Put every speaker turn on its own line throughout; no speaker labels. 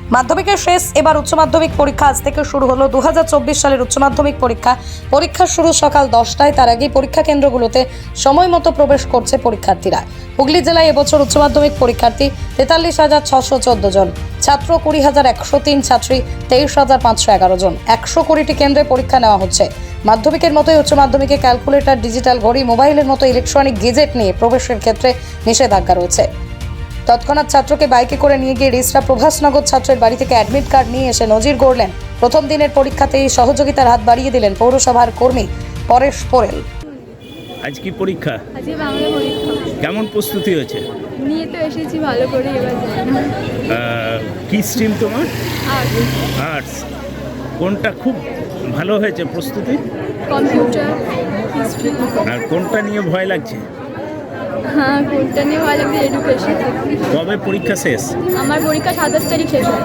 মাধ্যমিকের শেষ এবার উচ্চ মাধ্যমিক পরীক্ষা আজ থেকে শুরু হলো। 2024 সালের উচ্চ মাধ্যমিক পরীক্ষা শুরু সকাল 10টায়। তার আগেই পরীক্ষা কেন্দ্রগুলোতে সময় মতো প্রবেশ করছে পরীক্ষার্থীরা। হুগলি জেলায় এবছর উচ্চ মাধ্যমিক পরীক্ষার্থী 43,614 জন, ছাত্র 20,103, ছাত্রী 23,511 জন। 120টি কেন্দ্রে পরীক্ষা নেওয়া হচ্ছে। মাধ্যমিকের মতোই উচ্চ মাধ্যমিকে ক্যালকুলেটর, ডিজিটাল ঘড়ি, মোবাইলের মতো ইলেকট্রনিক গেজেট নিয়ে প্রবেশের ক্ষেত্রে নিষেধাজ্ঞা রয়েছে। তৎক্ষণাৎ ছাত্রকে বাইকে করে নিয়ে গিয়ে রিসরা প্রভাসনগর ছাত্রের বাড়ি থেকে অ্যাডমিট কার্ড নিয়ে এসে নজির গড়লেন। প্রথম দিনের পরীক্ষাতেই সহযোগিতার হাত বাড়িয়ে দিলেন পৌরসভার কর্মী পরেশ পোরেল।
আজ কি পরীক্ষা?
আজকে বাংলা পরীক্ষা।
কেমন প্রস্তুতি হয়েছে?
নিয়ে তো এসেছি ভালো করে, এবার যাই না।
কি স্ট্রিম তোমার?
আর্টস।
আর্টস। কোনটা খুব ভালো হয়েছে প্রস্তুতি?
Computer, history.
আর কোনটা নিয়ে ভয় লাগছে?
হ্যাঁ, কোনটা নিয়ে ভালো লাগছে? এডুকেশন।
কবে পরীক্ষা শেষ?
আমার পরীক্ষা 27 তারিখ শেষ হয়।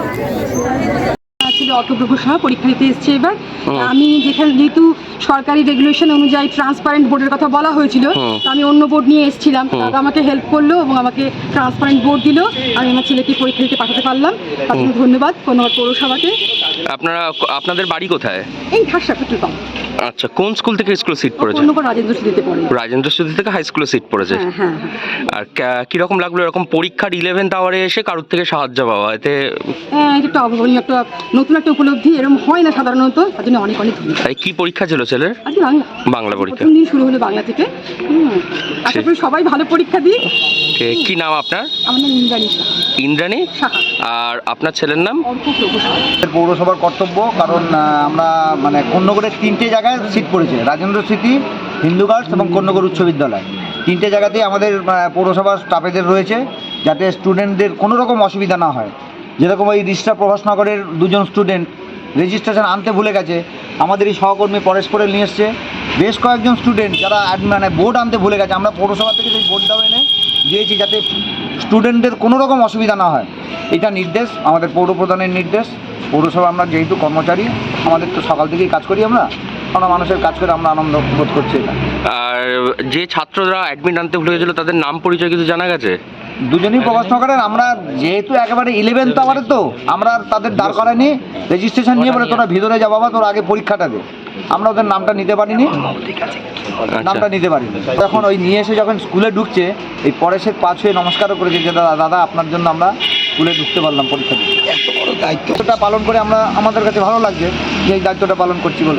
ছিল অটোগ্রাফার সহ পরীক্ষা দিতে এসেছি এবার। আমি যেহেতু সরকারি রেগুলেশন অনুযায়ী ট্রান্সপারেন্ট বোর্ডের কথা বলা হয়েছিল, তো আমি অন্য বোর্ড নিয়ে এসেছিলাম। তারা আমাকে হেল্প করলো এবং আমাকে ট্রান্সপারেন্ট বোর্ড দিল। আমি আমার ছেলেকে পরীক্ষা দিতে পাঠাতে পারলাম। তার জন্য ধন্যবাদ পৌরসভাকে।
আপনাদের বাড়ি কোথায়?
এই ঘাসা পেট্রোল পাম্প।
আচ্ছা, কোন স্কুল থেকে স্কুলে সিট পড়েছে?
রাজেন্দ্র স্মৃতিতে পড়ে।
রাজেন্দ্র স্মৃতি থেকে হাই স্কুলে সিট পড়েছে।
হ্যাঁ।
আর কিরকম লাগলো এরকম পরীক্ষার 11th আওয়ারে এসে কারোর থেকে সাহায্য পাওয়া? এতে
এটা একটা অভাবনীয়, একটা নতুন একটা উপলব্ধি। এরকম হয় না সাধারণত, তার জন্য অনেক ধন্যবাদ।
তাই কি পরীক্ষা ছিল ছেলের?
আজকে
বাংলা পরীক্ষা।
প্রথম দিন শুরু হলো বাংলা থেকে। আশা করি সবাই ভালো পরীক্ষা দিই।
কি নাম আপনার?
আমার নাম ইন্দ্রাণী সাহা।
ইন্দ্রাণী
সাহা।
আর আপনার ছেলের নাম?
পৌরসভার কর্তব্য, কারণ আমরা কন্যগড়ের 3টে জায়গায় সিট পড়েছে, রাজেন্দ্র স্মৃতি, হিন্দু গার্লস এবং কন্যগড় উচ্চ বিদ্যালয়। 3টে জায়গাতেই আমাদের পৌরসভার স্টাফেদের রয়েছে, যাতে স্টুডেন্টদের কোনো রকম অসুবিধা না হয়। যেরকম এই রিসরা প্রভাসনগরের 2জন স্টুডেন্ট রেজিস্ট্রেশন আনতে ভুলে গেছে, আমাদের এই সহকর্মী পরেশ পোরেল নিয়ে এসছে। বেশ কয়েকজন স্টুডেন্ট যারা বোর্ড আনতে ভুলে গেছে, আমরা পৌরসভা থেকে সেই বোর্ডটাও এনে দিয়েছি, যাতে স্টুডেন্টদের কোনো রকম অসুবিধা না হয়। এটা নির্দেশ, আমাদের পৌরপ্রধানের নির্দেশ। পৌরসভা আমরা যেহেতু কর্মচারী, আমাদের তো সকাল থেকেই কাজ করি, আমরা মানুষের কাজ করে আমরা আনন্দ বোধ করছি এটা।
আর যে ছাত্ররা অ্যাডমিট আনতে ভুলে গেছিলো তাদের নাম পরিচয় কিছু জানা গেছে?
দুজনই প্রভাসনগরের। আমরা যেহেতু একেবারে 11th আওয়ারে, তো আমরা তাদের দাঁড় করাইনি, রেজিস্ট্রেশন নিয়ে বলে তোরা ভিতরে যা বাবা, তোর আগে পরীক্ষাটা দে। আমরা ওদের নামটা নিতে পারিনি, নামটা নিতে পারিনি। তখন ওই নিয়ে এসে যখন স্কুলে ঢুকছে, এই পরেশের পা ছুঁয়ে নমস্কারও করেছে যে দাদা আপনার জন্য আমরা স্কুলে ঢুকতে পারলাম, পরীক্ষা দিতে। এত বড় দায়িত্বটা পালন করে আমাদের কাছে ভালো লাগছে যে এই দায়িত্বটা পালন করছি বলে।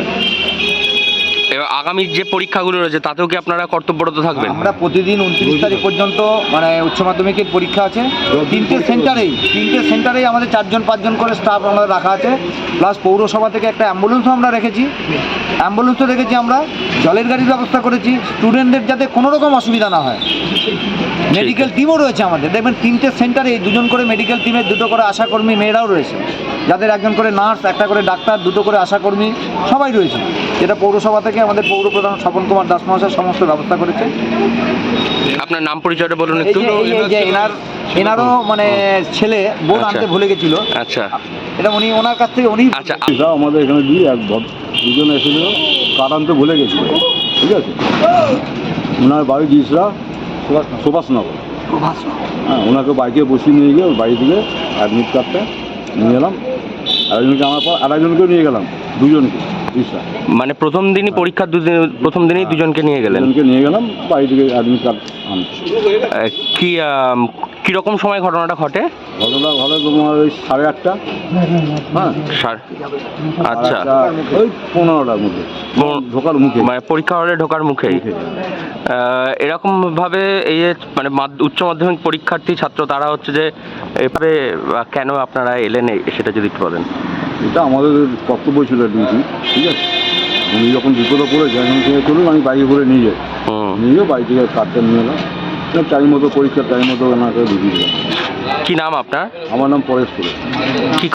এবার আগামী যে পরীক্ষাগুলো রয়েছে তাতেও কি আপনারা কর্তব্যরত থাকবেন?
আমরা প্রতিদিন 29 তারিখ পর্যন্ত উচ্চ মাধ্যমিকের পরীক্ষা আছে। 3টে সেন্টারেই আমাদের 4-5জন করে স্টাফ আমাদের রাখা আছে। প্লাস পৌরসভা থেকে একটা অ্যাম্বুলেন্সও আমরা রেখেছি। আমরা জলের গাড়ির ব্যবস্থা করেছি, স্টুডেন্টদের যাতে কোনো রকম অসুবিধা না হয়। মেডিকেল টিমও রয়েছে আমাদের। দেখবেন 3টে সেন্টারে 2জন করে মেডিকেল টিমের, 2টো করে আশাকর্মী মেয়েরাও রয়েছে, যাদের 1জন করে নার্স, 1টা করে ডাক্তার, 2টো করে আশাকর্মী সবাই রয়েছে। যেটা পৌরসভা থেকে আমাদের পৌরপ্রধান স্বপন কুমার দাস মহাশয় সমস্ত ব্যবস্থা করেছে।
আপনার নাম পরিচয়টা বলুন একটু।
এনারও ছেলে বোর্ড আনতে ভুলে গেছিল।
আচ্ছা,
এটা ওনার কাছ থেকে
আচ্ছা,
আমাদের এখানে দুজন এসেছিল, কার আনতে ভুলে গেছিল, ঠিক আছে। ওনার বাড়ি রিসরা সুভাষনগর। হ্যাঁ, ওনাকে বাইকে বসিয়ে নিয়ে গিয়ে ওর বাড়ি থেকে অ্যাডমিট কার্ডটা নিয়ে গেলাম। আরেকজনকে আমার পর আরেকজনকেও নিয়ে গেলাম, দুজনকে রিসরা।
মানে প্রথম দিনই পরীক্ষার প্রথম দিনই দুজনকে নিয়ে গেলাম
বাড়ি থেকে অ্যাডমিট কার্ড আনতে।
কিরকম সময় ঘটনাটা ঘটে?
তোমার ওই 8:30। হ্যাঁ,
আচ্ছা,
ওই 15টার মধ্যে ঢোকার মুখে,
মানে পরীক্ষা হলে ঢোকার মুখেই। এরকম ভাবে এই যে উচ্চ মাধ্যমিক পরীক্ষার্থী ছাত্র তারা হচ্ছে যে এভাবে কেন আপনারা এলেন সেটা যদি একটু বলেন।
এটা আমাদের কর্তব্য ছিল, ডিউটি, ঠিক আছে। উনি যখন বিপদে পড়ে যায়, এখান থেকে চলুন আমি বাইকে করে নিয়ে যাই, বাড়ি থেকে কার্ডটা নিয়ে এলাম। টাইম মতো পরীক্ষার টাইম মতো ওনাকে দিয়ে দিলাম।
কি নাম আপনার?
আমার নাম পরেশ পোরেল।